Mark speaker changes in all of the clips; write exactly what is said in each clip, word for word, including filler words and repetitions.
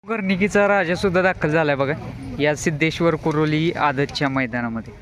Speaker 1: गर्निकीचा राजा सुद्धा दाखल झालाय बघा या सिद्धेश्वर कुरोली आदतच्या मैदानामध्ये.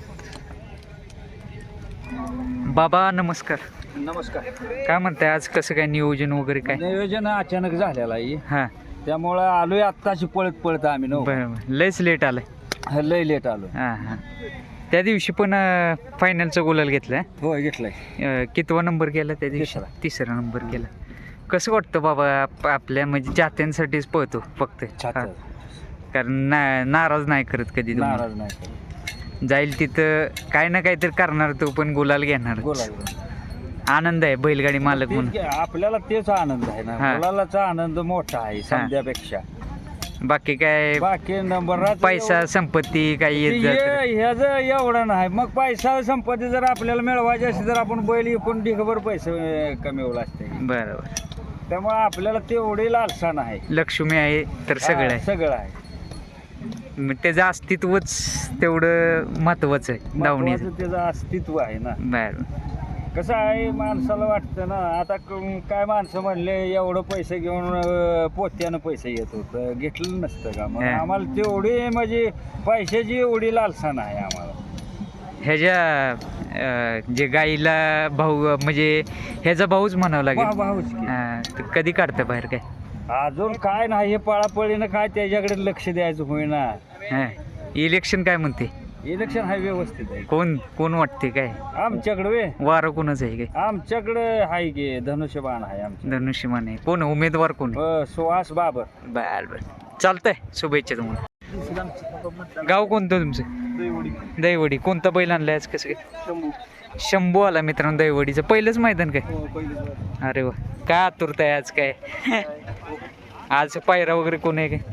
Speaker 1: बाबा नमस्कार.
Speaker 2: नमस्कार.
Speaker 1: काय म्हणताय आज कसं काय नियोजन वगैरे काय?
Speaker 2: नियोजन अचानक झालेलं आहे
Speaker 1: हा
Speaker 2: त्यामुळं आलोय आत्ताशी पळत पळत आम्ही नो
Speaker 1: बरं लयच लेट आलाय.
Speaker 2: लय लेट आलो.
Speaker 1: हा हा त्या दिवशी पण फायनलचा गुलाल घेतलाय.
Speaker 2: होय घेतलाय.
Speaker 1: कितवा नंबर केला त्या दिवशी?
Speaker 2: तिसरा.
Speaker 1: तिसरा नंबर केला. कसं वाटतं बाबा आप- आपल्या म्हणजे जात्यांसाठीच पळतो फक्त
Speaker 2: छात्र.
Speaker 1: हा. कारण ना नाराज नाही करत कधी तुम्ही.
Speaker 2: नाराज नाही.
Speaker 1: जाईल तिथं काय ना काहीतरी करणार तो पण गुलाल घेणार.
Speaker 2: बोला
Speaker 1: आनंद आहे बैलगाडी मालक म्हणून.
Speaker 2: तेच- आपल्याला तेच आनंद आहे ना.
Speaker 1: हा.
Speaker 2: मुलालाचा आनंद मोठा आहे समजापेक्षा.
Speaker 1: बाकी काय
Speaker 2: बाकी नंबर
Speaker 1: पैसा संपत्ती काही येत जात
Speaker 2: ह्याच एवढं नाही. मग पैसा संपत्ती जर आपल्याला मिळवायची असेल तर आपण बैल एकूण ढिगभर पैसे कमीवला असते.
Speaker 1: बरोबर.
Speaker 2: त्यामुळे आपल्याला तेवढी लालसा नाही.
Speaker 1: लक्ष्मी आहे तर सगळं
Speaker 2: हा,
Speaker 1: आहे.
Speaker 2: सगळं आहे.
Speaker 1: मग त्याचं अस्तित्वच तेवढं महत्वाचं आहे धावणीचं.
Speaker 2: महत्वाचं त्याचं अस्तित्व आहे ना.
Speaker 1: बरं
Speaker 2: कसं आहे माणसाला वाटतं ना आता क- काय माणसं म्हणले एवढं पैसे घेऊन अं, पोत्यानं पैसे येत होतं घेतलं नसतं का. मग
Speaker 1: हा.
Speaker 2: आम्हाला तेवढी म्हणजे पैशाची एवढी लालसा नाही आम्हाला.
Speaker 1: ह्याच्या अं, जे गाईला भाऊ म्हणजे ह्याचा भाऊच म्हणावं
Speaker 2: वा-
Speaker 1: लागेल.
Speaker 2: वाहूच की.
Speaker 1: हा, तर कधी काढतं बाहेर काय?
Speaker 2: अजून काय नाही हे पळापळीनं काय त्याच्याकडे लक्ष द्यायचं होईना.
Speaker 1: हा इलेक्शन काय म्हणते?
Speaker 2: इलेक्शन हा व्यवस्थित आहे
Speaker 1: कोण कोण वाटते काय?
Speaker 2: आमच्याकडे वे
Speaker 1: वारं कोणाचं आहे काय?
Speaker 2: आमच्याकडे आहे की धनुष्यबाण आहे आमच्या.
Speaker 1: धनुष्यमान आहे. कोण उमेदवार कोण?
Speaker 2: अं, सुहास बाबर.
Speaker 1: बर बर चालतंय. शुभेच्छा तुम्हाला. गाव कोणतं तुमचं? दैवडी. कोणता बैल आणलाय आज? कसं काय? शंभू आला मित्रांनो दैवडीचं पहिलंच मैदान काय? अरे वा काय आतुरता आहे आज काय? आज पायरा वगैरे कोण आहे काय?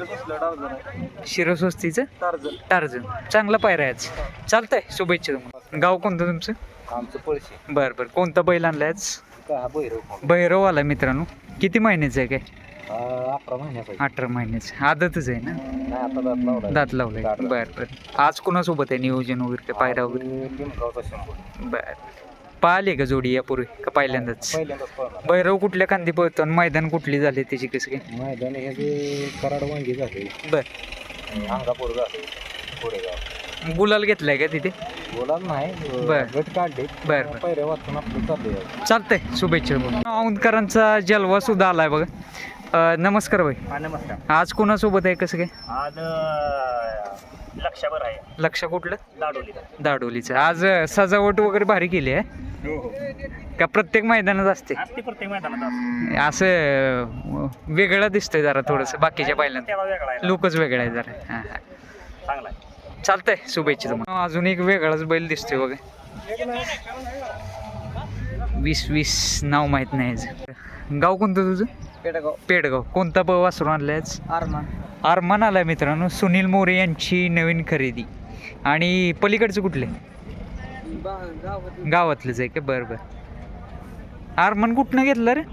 Speaker 1: शिरस्वस्तीचं टार्झन. चांगला पायरा आहे आज. चालतंय शुभेच्छा तुम्हाला. गाव कोणतं तुमचं?
Speaker 2: आमचं पळशी
Speaker 1: बरं बरं कोणता बैल आणलाय आज?
Speaker 2: का भैरव
Speaker 1: भैरव आला मित्रांनो. किती महिन्याचं आहे काय?
Speaker 2: अठरा महिन्याचा
Speaker 1: अठरा महिन्याचं. आदतच आहे ना?
Speaker 2: नाही आता दात लावला.
Speaker 1: दात लावलाय.
Speaker 2: दात लावलाय.
Speaker 1: बरं बरं आज कोणासोबत आहे नियोजन वगैरे काय पायरा वगैरे?
Speaker 2: लिंबगावचा शंभर.
Speaker 1: बरं पाहिले का जोडी यापूर्वी का पहिल्यांदाच?
Speaker 2: पहिल्यांदाच पळणार.
Speaker 1: भैरव कुठल्या खांदी पळतो आणि मैदान कुठली झाली त्याची कसं काय?
Speaker 2: मैदान हे जे कराड वांगी झाले
Speaker 1: बरं
Speaker 2: अंगापूर झाले कोरेगाव.
Speaker 1: गुलाल घेतलाय का तिथे?
Speaker 2: बोला नाही
Speaker 1: बर.
Speaker 2: गट काढले.
Speaker 1: बरं बरं
Speaker 2: पहिल्या वाचून आपलं चाललंय.
Speaker 1: चालतंय शुभेच्छा. औंधकरांचा जलवा सुद्धा आलाय बघा. अं, नमस्कार भाई.
Speaker 2: हा नमस्कार.
Speaker 1: आज कोणासोबत आहे कसं काय?
Speaker 2: आज लक्षावर आहे
Speaker 1: लक्ष कुठलं?
Speaker 2: लाडोली.
Speaker 1: दाडोलीचं. आज अं, सजावट वगैरे भारी केली आहे
Speaker 2: हो हो
Speaker 1: का? प्रत्येक मैदानात असते
Speaker 2: असते प्रत्येक मैदानात
Speaker 1: असं अं, वेगळं दिसतंय जरा थोडंसं बाकीच्या पहिल्यांदा.
Speaker 2: त्याला वेगळा आहे.
Speaker 1: लोकच वेगळं आहे जरा. हां हां
Speaker 2: चांगला आहे.
Speaker 1: चालतंय शुभेच्छा तुम्हाला. अजून एक वेगळाच बैल दिसतोय बघा. वीस वीस नाव माहित नाही याचं. गाव कोणतं तुझं?
Speaker 2: पेडगाव.
Speaker 1: पेडगाव. कोणता ब वासरू आणलायच?
Speaker 2: आरमान.
Speaker 1: आरमान आलाय मित्रांनो. सुनील मोरे यांची नवीन खरेदी. आणि पलीकडचं कुठले? गावातलंच आहे का? बरं बरं. आरमान कुठनं घेतलं रे?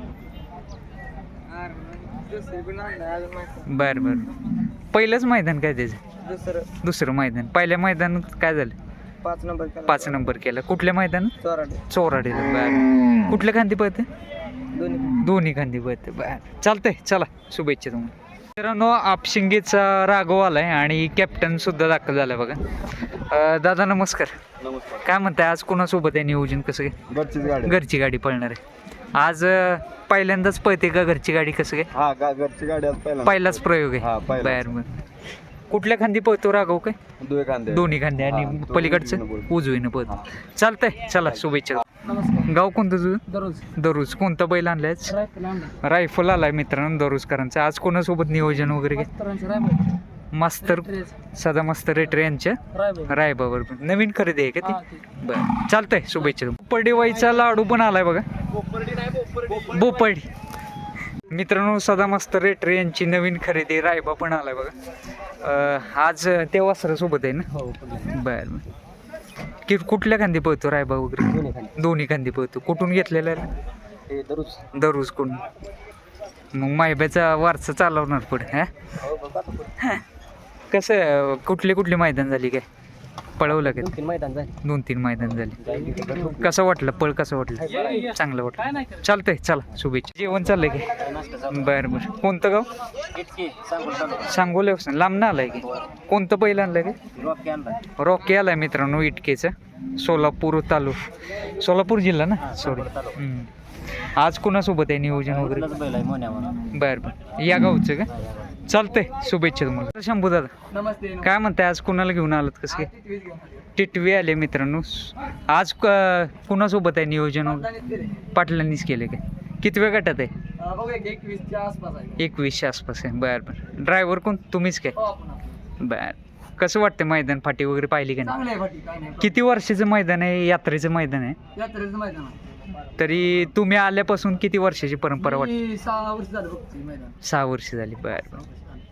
Speaker 1: बरं बरं पहिलंच मैदान काय त्याचं?
Speaker 2: दुसरं
Speaker 1: दुसरं मैदान. पहिल्या मैदानात काय झालं?
Speaker 2: पाच नंबर
Speaker 1: पाच नंबर केला. कुठल्या मैदानात?
Speaker 2: चोराडे.
Speaker 1: चोराडीला. बरं कुठल्या खांदी पळते?
Speaker 2: दोन्ही.
Speaker 1: दोन्ही खांदी पळते. बरं चालतंय चला शुभेच्छा तुम्हाला. मित्रांनो आपशिंगेचा राघव आलाय आणि कॅप्टन सुद्धा दाखल झालाय बघा. अं, दादा नमस्कार.
Speaker 2: नमस्कार.
Speaker 1: काय म्हणताय आज कोणासोबत आहे नियोजन कसं काय?
Speaker 2: घरचीच गाडी.
Speaker 1: घरची गाडी पळणार आहे आज. अं, पहिल्यांदाच पळते का घरची गाडी कसं काय?
Speaker 2: हा गा घरची गाडी आज पहिला.
Speaker 1: पहिलाच प्रयोग
Speaker 2: हा,
Speaker 1: आहे.
Speaker 2: पहिलाच.
Speaker 1: बरं बरं कुठल्या खांदी पळतो राघव काय?
Speaker 2: दोन खांदे.
Speaker 1: दोन्ही खांदे आणि
Speaker 2: हा, तो
Speaker 1: पलीकडचं
Speaker 2: उजवीनं पळतो.
Speaker 1: उजवीनं पळतो. चालतंय चला शुभेच्छा.
Speaker 2: नमस्कार.
Speaker 1: गाव कोणतं तुझं?
Speaker 2: दररोज.
Speaker 1: दररोज. कोणता बैल आणलायच? रायफल आलाय मित्रांनो दररोजकरांचा. आज कोणासोबत नियोजन वगैरे काय? मास्तर सदा मास्तर रेटर यांच्या रायबावर. नवीन खरेदी आहे का ती? बरं चालतंय शुभेच्छा. पोपर्डीवाईचा लाडू पण आलाय बघा. बोपर्डी. मित्रांनो सदा मास्तर रेटर यांची नवीन खरेदी रायबा पण आलाय बघा. अं, आज ते वासरासोबत आहे ना? बरं बरं की कुठल्या खांदी पळतो रायबा वगैरे? दोन्ही खांदी पळतो. कुठून घेतलेला आहे?
Speaker 2: दररोज.
Speaker 1: दररोज कोण? मग मायब्याचा वारसा चालवणार पुढे. हा कसं कुठले कुठले मैदान झाली काय? पळवलं का
Speaker 3: तीन मैदान झाले.
Speaker 1: दोन तीन मैदान झाले कसं वाटलं पळ कसं वाटलं चांगलं वाटलं चालतंय चला शुभेच्छा जेवण चाललंय की बरं बरं कोणतं गाव सांगोले लांब ना आलाय की कोणतं पहिलं आणलंय की रॉकी आलाय मित्रांनो इटकेचं सोलापूर तालुका सोलापूर जिल्हा ना सॉरी हम्म. आज कुणासोबत आहे नियोजन वगैरे बरं बरं या गावचं का चालतंय शुभेच्छा तुम्हाला शंभू दादा
Speaker 3: नमस्ते.
Speaker 1: काय म्हणताय आज कुणाला घेऊन आलात कसं काय टिटवी आले मित्रांनो आज क- कुणासोबत आहे नियोजन वगैरे पाटलांनीच केले काय किती वेळ गटात आहे
Speaker 3: बघूया की एकवीसच्या आसपास आहे.
Speaker 1: एकवीसशे आसपास आहे बरं बरं ड्रायव्हर कोण तुम्हीच काय
Speaker 3: हो, आपण आपण.
Speaker 1: बरं कसं वाटतं मैदान फाटी वगैरे पाहिली का नाही
Speaker 3: चांगलं आहे फाटी, काय नाही.
Speaker 1: किती वर्षाचं मैदान आहे यात्रेचं मैदान आहे
Speaker 3: यात्रेचं मैदान आहे.
Speaker 1: तरी तुम्ही आल्यापासून किती वर्षाची परंपरा वाटते
Speaker 3: मी सहा वर्ष झालं बघते मैदान.
Speaker 1: सहा वर्ष झाली बरं बरं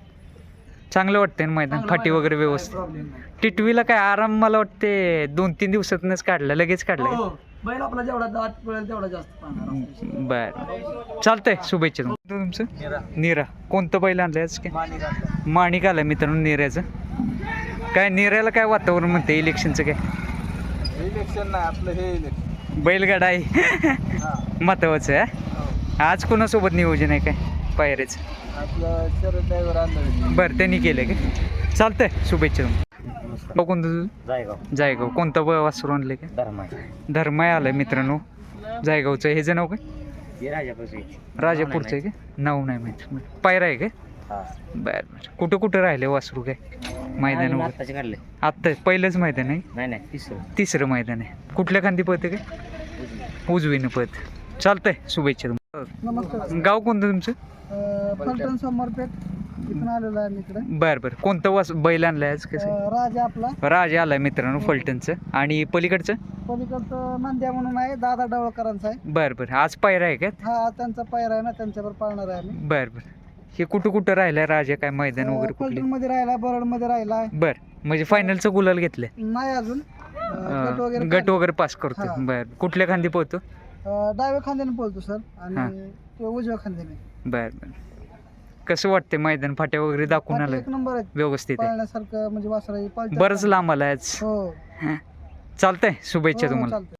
Speaker 1: चांगलं वाटतंय ना मैदान
Speaker 3: चांगलं
Speaker 1: फाटी
Speaker 3: मैदान,
Speaker 1: वगैरे
Speaker 3: काय
Speaker 1: व्यवस्थित
Speaker 3: प्रॉब्लेम नाही.
Speaker 1: टिटवीला काय आराम मला वाटते दोन तीन दिवसातनच काढला लगेच काढला
Speaker 3: हो, बैल आपला जेवढा दाट पळेल तेवढा जास्त पाहणार.
Speaker 1: बर चालतंय शुभेच्छा तुम्हाला तुमचं निरा कोणतं बैल आणलंय आज काय माणिक आलाय मित्रांनो निऱ्याचं काय निऱ्याला काय वातावरण म्हणते इलेक्शनचं काय
Speaker 3: इलेक्शन नाही आपलं हे इलेक्शन.
Speaker 1: बैलगाडा आहे महत्वाचं आहे आज कोणासोबत नियोजन आहे काय पायरेचं
Speaker 3: आपलं शरद ड्रायव्हर आणलं.
Speaker 1: बरं त्यांनी केलं काय चालतंय शुभेच्छा तुम्हाला कोणतं तुझं
Speaker 3: जायगाव
Speaker 1: जायगाव कोणतं ब- वासरू आणलं काय
Speaker 3: धर्माय
Speaker 1: धर्माय आलाय मित्रांनो जायगावचं हे नाव काय
Speaker 3: हे राजापाशी.
Speaker 1: राजापूरचं आहे का नाव नाही माहिती पायरा आहे काय
Speaker 3: हा.
Speaker 1: बरं बरं कुठं कुठं राहिले वासरू काय मैदान
Speaker 3: आम्ही
Speaker 1: वगैरे
Speaker 3: आत्ताचे काढले.
Speaker 1: आत्ता पहिलंच मैदान आहे
Speaker 3: नाही नाही तिसरं.
Speaker 1: तिसरं मैदान आहे कुठल्या खांदी पळते काय उजवीनं पळत चालतंय शुभेच्छा तुम्हाला
Speaker 3: नमस्कार.
Speaker 1: गाव कोणतं तुमचं
Speaker 3: फलटण समरपेठ इथून आलेलो आहे इकडे.
Speaker 1: बरं बरं कोणतं वास बैल आणलाय आज कसं
Speaker 3: राजा आपला
Speaker 1: राजा आलाय मित्रांनो फलटणचं आणि पलीकडचं
Speaker 3: पलीकडचं नांद्या म्हणून आहे दादा डवळकरांचा आहे.
Speaker 1: बरं बरं आज पायरा आहे का
Speaker 3: हा त्यांचा पायरा आहे ना त्यांच्यावर पाळणार आहे आम्ही.
Speaker 1: बरं बरं हे कुठं कुठं राहिलंय राजा काय मैदान वगैरे कुठले
Speaker 3: फलटण मध्ये राहिला बरड मध्ये राहिला
Speaker 1: बरं म्हणजे फायनलचं गुलाल घेतलंय
Speaker 3: नाही अजून अं, गट वगैरे
Speaker 1: गट वगैरे पास करतो
Speaker 3: हा.
Speaker 1: बरं कुठल्या खांदी पोहतो
Speaker 3: अं, डाव्या खांद्याने बोलतो सर
Speaker 1: हा.
Speaker 3: आणि तो उजव्या खांद्याने.
Speaker 1: बरं बरं कसं वाटतंय मैदान फाट्या वगैरे दाखवून
Speaker 3: बाकी
Speaker 1: आलं
Speaker 3: एक नंबर आहे
Speaker 1: व्यवस्थित आहे
Speaker 3: पाळण्यासारखं म्हणजे वासरा
Speaker 1: बरंच लांब आलाय आज
Speaker 3: हो
Speaker 1: चालतंय शुभेच्छा
Speaker 3: हो,
Speaker 1: तुम्हाला
Speaker 3: चालतंय.